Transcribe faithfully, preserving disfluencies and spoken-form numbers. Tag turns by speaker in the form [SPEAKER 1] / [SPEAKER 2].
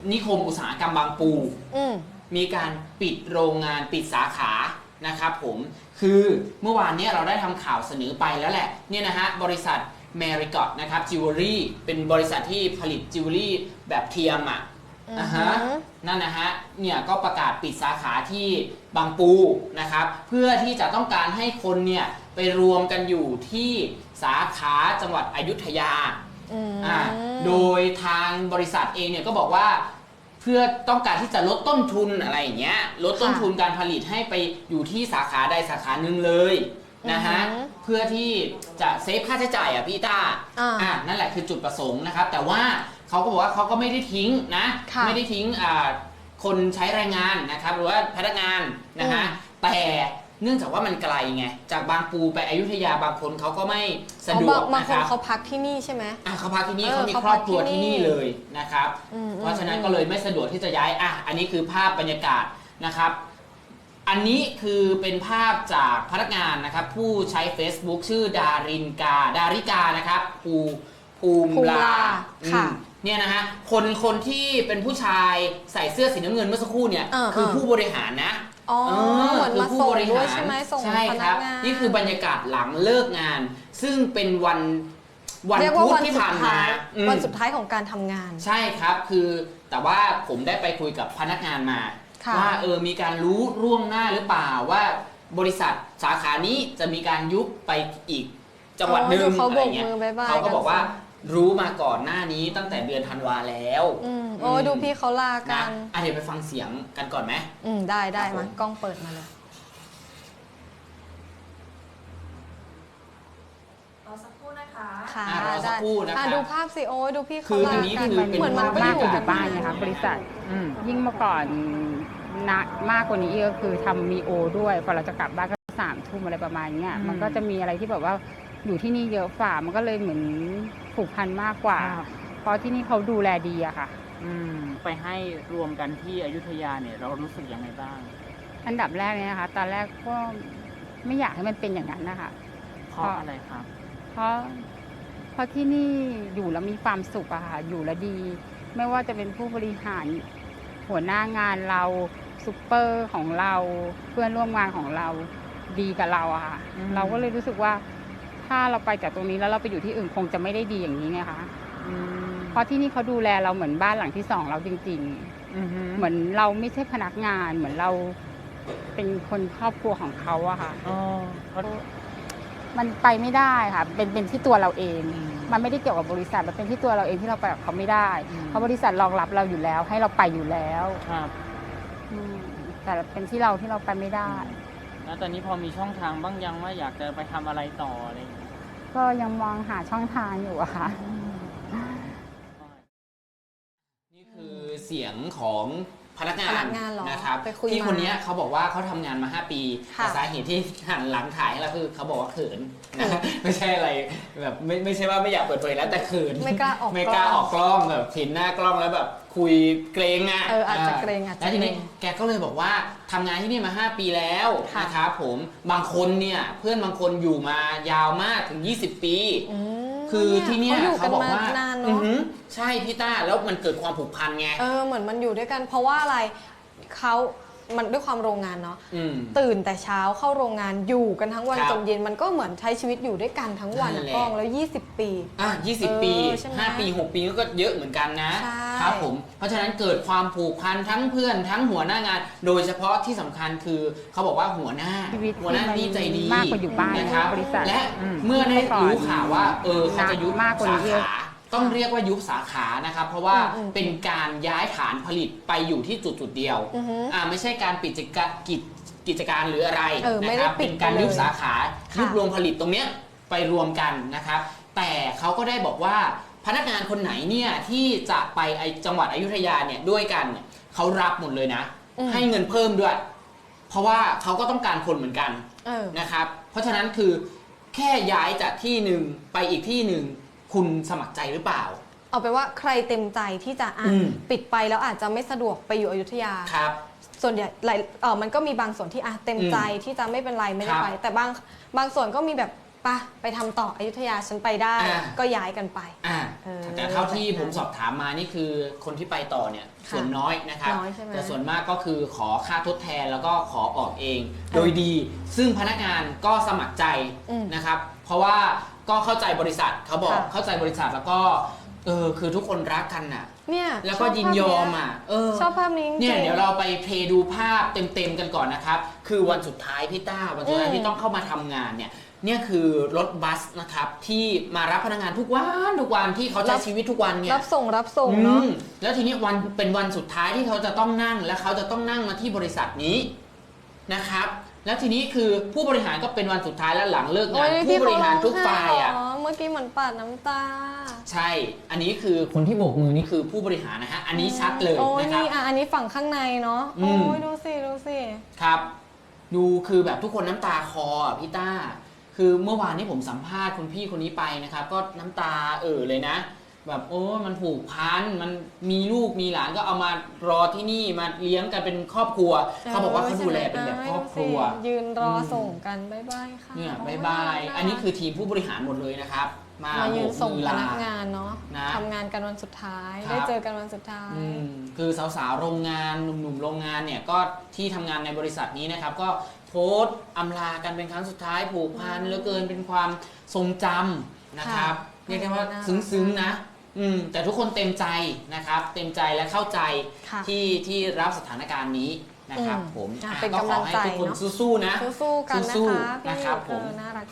[SPEAKER 1] นิคมอุตสาหกรรมบางปูมีการปิดโรงงานปิดสาขานะครับผมคือเมื่อวานนี้เราได้ทำข่าวเสนอไปแล้วแหละเนี่ยนะฮะบริษัทแมริกอตนะครับจิวเวลรี่เป็นบริษัทที่ผลิตจิวเวลรี่แบบเทียมอ่ะนะฮะนั่นนะฮะเนี่ยก็ประกาศปิดสาขาที่บางปูนะครับเพื่อที่จะต้องการให้คนเนี่ยไปรวมกันอยู่ที่สาขาจังหวัดอยุธยาอ่าโดยทางบริษัทเองเนี่ยก็บอกว่าเพื่อต้องการที่จะลดต้นทุนอะไรอย่างเงี้ยลดต้นทุนการผลิตให้ไปอยู่ที่สาขาใดสาขาหนึ่งเลยนะฮะเพื่อที่จะเซฟค่าใช้จ่ายอ่ะพี่ต้าอ่านั่นแหละคือจุดประสงค์นะครับแต่ว่าเขาก็บอกว่าเขาก็ไม่ได้ทิ้งนะไม่ได้ทิ้งอ่าคนใช้แรงงานนะครับหรือว่าพนักงานนะฮะแต่เนื่องจากว่ามันไกลไงจากบางปูไปอยุธยาบางคนเขาก็ไม่สะดวกนะครับบางคน
[SPEAKER 2] เขาพักที่นี่ใช่ไหม
[SPEAKER 1] อ่ะเขาพักที่นี่เขามีครอบครัวที่นี่เลยนะครับเพราะฉะนั้นก็เลยไม่สะดวกที่จะย้ายอ่ะอันนี้คือภาพบรรยากาศนะครับอันนี้คือเป็นภาพจากพนักงานนะครับผู้ใช้ Facebook ชื่อดารินกาดาริกานะครับภูภูมิลาค่ะเนี่ยนะฮะคนคนที่เป็นผู้ชายใส่เสื้อสีน้ำเงินเมื่อสักครู่เนี่ยคือผู้บริหารนะ
[SPEAKER 2] อ๋อเหมือนมาส่งด้วยใช่ไหมส่งพนักงาน
[SPEAKER 1] นี่คือบรรยากาศหลังเลิกงานซึ่งเป็นวันวันพุธที่ผ่านมา
[SPEAKER 2] วันสุดท้ายของการทำงาน
[SPEAKER 1] ใช่ครับคือแต่ว่าผมได้ไปคุยกับพนักงานมาว่าเออมีการรู้ร่วงหน้าหรือเปล่าว่าบริษัทสาขานี้จะมีการยุบไปอีกจังหวัดหนึ่งอะไรเงี้ยเขาก็บอกว่ารู้มาก่อนหน้านี้ตั้งแต่เดือนธันวาแล้ว
[SPEAKER 2] โอ้ดูพี่เขาลากัน
[SPEAKER 1] อ่ะเดี๋ยวไปฟังเสียงกันก่อนไหม
[SPEAKER 2] อืมได้ได้มากล้องเปิดมาเลย
[SPEAKER 3] รอสักครู่นะคะ
[SPEAKER 2] ค่ะ
[SPEAKER 1] รอสักครู่นะคะ
[SPEAKER 2] ดูภาพสิโอ้ดูพี่เขาลากัน
[SPEAKER 1] เหมือนมัน
[SPEAKER 4] มากกว่าอยู่บ้านนะคะบริษัทยิ่งเมื่อก่อนนะมากกว่านี้ก็คือทำมีโอด้วยพอเราจะกลับบ้านก็สามทุ่มอะไรประมาณนี้มันก็จะมีอะไรที่แบบว่าอยู่ที่นี่เยอะฝ่ามันก็เลยเหมือนผูกพันมากกว่าเพราะที่นี่เขาดูแลดีอะค่ะ
[SPEAKER 5] อืมไปให้รวมกันที่อยุธยาเนี่ยเรารู้สึกยังไงบ้าง
[SPEAKER 4] อันดับแรกเนี่ยนะคะตอนแรกก็ไม่อยากให้มันเป็นอย่างนั้นนะคะ
[SPEAKER 5] เพราะอะไรครับ
[SPEAKER 4] เพราะเพราะที่นี่อยู่แล้วมีความสุขอะค่ะอยู่แล้วดีไม่ว่าจะเป็นผู้บริหารหัวหน้างานเราซูเปอร์ของเราเพื่อนร่วมงานของเราดีกับเราอะค่ะเราก็เลยรู้สึกว่าถ้าเราไปจากตรงนี้แล้วเราไปอยู่ที่อื่นคงจะไม่ได้ดีอย่างนี้ไงคะเพราะที่นี่เขาดูแลเราเหมือนบ้านหลังที่สองเราจริงๆเหมือนเราไม่ใช่พนักงานเหมือนเราเป็นคนครอบครัวของเขาอะค่ะมันไปไม่ได้ค่ะเป็นเป็นที่ตัวเราเองมันไม่ได้เกี่ยวกับบริษัทมันเป็นที่ตัวเราเองที่เราไปกับเขาไม่ได้เพราะบริษัทรองรับเราอยู่แล้วให้เราไปอยู่แล้วแต่เป็นที่เราที่เราไปไม่ได้
[SPEAKER 5] แล้วตอนนี้พอมีช่องทางบ้างยังว่าอยากจะไปทำอะไรต่ออะไร
[SPEAKER 4] ก็ยังมองหาช่องทางอยู่อะค่ะ
[SPEAKER 1] นี่คือเสียงของพนักงานนะครับที่คนนี้เขาบอกว่าเขาทำงานมาห้าปีแต่สาเหตุที่หันหลังถ่ายให้เราคือเขาบอกว่าเขินนะไม่ใช่อะไรแบบไม่ไม่ใช่ว่าไม่อยากเปิดเผยแล้วแต่เขิน
[SPEAKER 2] ไม่กล้าออก
[SPEAKER 1] ไม่กล้าออกกล้องแบบเห็นหน้ากล้องแล้วแบบคุยเกรงอ่ะ
[SPEAKER 2] เอออาจจะเกรงอาจจะ
[SPEAKER 1] แล้วทีนี้แกก็เลยบอกว่าทำงานที่นี่มาห้าปีแล้วนะครับผมบางคนเนี่ยเพื่อนบางคนอยู่มายาวมากถึงยี่สิบปีคือที่เนี่ยเขาบอกว่าใช่พี่ต้าแล้วมันเกิดความผูกพันไง
[SPEAKER 2] เออเหมือนมันอยู่ด้วยกันเพราะว่าอะไรเขามันด้วยความโรงงานเนาะตื่นแต่เช้าเข้าโรงงานอยู่กันทั้งวันจนเย็นมันก็เหมือนใช้ชีวิตอยู่ด้วยกันทั้งวันกล้องแล้วยี่สิบปี
[SPEAKER 1] อ่ะยี่สิบปีห้าปีหกปีก็เยอะเหมือนกันนะครับผมเพราะฉะนั้นเกิดความผูกพันทั้งเพื่อนทั้งหัวหน้างานโดยเฉพาะที่สำคัญคือเขาบอกว่าหัวหน้าหัวหน้านี่ใจดี
[SPEAKER 4] มากกว่าอยู่บ้าน
[SPEAKER 1] นะครับและเมื่อได้รู้ข่าวว่าเออเขาจะยุบสาขาต้องเรียกว่ายุบสาขานะครับเพราะว่าเป็นการย้ายฐานผลิตไปอยู่ที่จุดจุดเดียวอ่าไม่ใช่การปิดกิจกิจการหรืออะไรนะครับเป็นการยุบสาขายุบโรงผลิตตรงเนี้ยไปรวมกันนะครับแต่เขาก็ได้บอกว่าพนักงานคนไหนเนี่ยที่จะไปไอจังหวัดอยุธยาเนี่ยด้วยกันเนี่ยเขารับหมดเลยนะให้เงินเพิ่มด้วยเพราะว่าเขาก็ต้องการคนเหมือนกันนะครับเพราะฉะนั้นคือแค่ย้ายจากที่หนึ่งไปอีกที่หนึ่งคุณสมัครใจหรือเปล่า
[SPEAKER 2] เอาไปว่าใครเต็มใจที่จะอ่ะปิดไปแล้วอาจจะไม่สะดวกไปอยู่อยุธยา
[SPEAKER 1] ครับ
[SPEAKER 2] ส่วนใหญ่หลายเออมันก็มีบางส่วนที่อ่ะเต็มใจที่จะไม่เป็นไรไม่ได้ไปแต่บางบางส่วนก็มีแบบปะไปทำต่ออยุธยาฉันไปได้ก็ย้ายกันไป
[SPEAKER 1] อ่าแต่เท่าที่ผมสอบถามมานี่คือคนที่ไปต่อเนี่ยส่วนน้อยนะครับ
[SPEAKER 2] น้อยใช่ไหม
[SPEAKER 1] แต่ส่วนมากก็คือขอค่าทดแทนแล้วก็ขอออกเอง โดยดีซึ่งพนักงานก็สมัครใจ
[SPEAKER 2] อืม
[SPEAKER 1] นะครับ เพราะว่าก็เข้าใจบริษัทเขาบอก
[SPEAKER 2] ค่ะ
[SPEAKER 1] เข้าใจบริษัทแล้วก็เออคือทุกคนรักกันน่ะ
[SPEAKER 2] เนี่ย
[SPEAKER 1] แล้วก็ยินยอมอ่ะเออ
[SPEAKER 2] ชอบภาพนี้จริงๆ
[SPEAKER 1] เนี่ยเดี๋ยวเราไปเพลย์ดูภาพเต็มๆกันก่อนนะครับ คือวันสุดท้ายพี่ต้าวันสุดท้าย
[SPEAKER 2] อืม
[SPEAKER 1] ที่ต้องเข้ามาทำงานเนี่ยเนี่ยคือรถบัสนะครับที่มารับพนักงานทุกวันทุกวันที่เขาใช้ชีวิตทุกวันเนี่ย
[SPEAKER 2] รับส่งรับส่งเนาะ
[SPEAKER 1] อืมแล้วทีนี้วันเป็นวันสุดท้ายที่เขาจะต้องนั่งและเขาจะต้องนั่งมาที่บริษัทนี้นะครับ แล้วทีนี้คือผู้บริหารก็เป็นวันสุดท้ายแล้วหลังเลิกงาน
[SPEAKER 2] โอ้ย
[SPEAKER 1] ผู้บริหารทุก
[SPEAKER 2] ที่เข
[SPEAKER 1] ฝ่ายอ่ะ
[SPEAKER 2] ร้องไห้เหรอเมื่อกี้เหมือนปาดน้ำตา
[SPEAKER 1] ใช่ อันนี้คือคนที่โบกมือนี่คือผู้บริหารนะฮะอันนี้ชัดเลย
[SPEAKER 2] โอ้ย
[SPEAKER 1] นะครับ
[SPEAKER 2] นี่อ่ะอันนี้ฝั่งข้างในเนาะ
[SPEAKER 1] อื
[SPEAKER 2] โอ้
[SPEAKER 1] ม
[SPEAKER 2] ยดูสิดูสิ
[SPEAKER 1] ครับ ดูคือแบบทุกคนน้ำตาคออ่ะพี่ต้า คือเมื่อวานนี้ผมสัมภาษณ์คุณพี่คนนี้ไปนะครับ ก็น้ำตาเอ่อเลยนะ แบบโอ้มันผูกพันมันมีลูกมีหลานก็เอามารอที่นี่มาเลี้ยงกันเป็นครอบครัว เขาบอกว่าเขาดูแลเป็นแบบครอบครัว
[SPEAKER 2] ดูสิยืนรออ
[SPEAKER 1] ม
[SPEAKER 2] ส่งกันบ๊ายบายค่ะ
[SPEAKER 1] เนี่ย
[SPEAKER 2] โ
[SPEAKER 1] บายบาย
[SPEAKER 2] น่รัก
[SPEAKER 1] อันนี้คือทีมผู้บริหารหมดเลยนะครับ มา
[SPEAKER 2] มา
[SPEAKER 1] โบ
[SPEAKER 2] ยืน
[SPEAKER 1] ก
[SPEAKER 2] ส่ง
[SPEAKER 1] มือ
[SPEAKER 2] พ
[SPEAKER 1] ลา
[SPEAKER 2] นักงานเนาะ
[SPEAKER 1] นะ
[SPEAKER 2] ทำงานกันวันสุดท้าย
[SPEAKER 1] ครับ
[SPEAKER 2] ได้เจอกันวันสุดท้าย
[SPEAKER 1] อืมคือสาวๆโรงงานหนุ่มๆโรงงานเนี่ยก็ที่ทำงานในบริษัทนี้นะครับ ก็โพสต์อำลากันเป็นครั้งสุดท้ายผูกพันเหลือเกินเป็นความทรงจำนะครับ
[SPEAKER 2] ค่ะ
[SPEAKER 1] เรียกได้ว่า
[SPEAKER 2] น่ารัก
[SPEAKER 1] ซึ้งๆนะอืมแต่ทุกคนเต็มใจนะครับ เต็มใจและเข้าใจ
[SPEAKER 2] ค่ะ
[SPEAKER 1] ที่ที่รับสถานการณ์นี้นะครับ
[SPEAKER 2] อืม
[SPEAKER 1] ผม
[SPEAKER 2] อ่ะ
[SPEAKER 1] อ่ะ
[SPEAKER 2] เป็น
[SPEAKER 1] ก็
[SPEAKER 2] กำ
[SPEAKER 1] ข
[SPEAKER 2] ลั
[SPEAKER 1] อง ให้
[SPEAKER 2] ใจ
[SPEAKER 1] ทุกคน
[SPEAKER 2] เนอะ
[SPEAKER 1] สู้ๆนะ
[SPEAKER 2] สู้ๆกันนะ
[SPEAKER 1] สู้
[SPEAKER 2] คะ
[SPEAKER 1] ๆ
[SPEAKER 2] พี่
[SPEAKER 1] นะครับผม
[SPEAKER 2] เออน่ารัก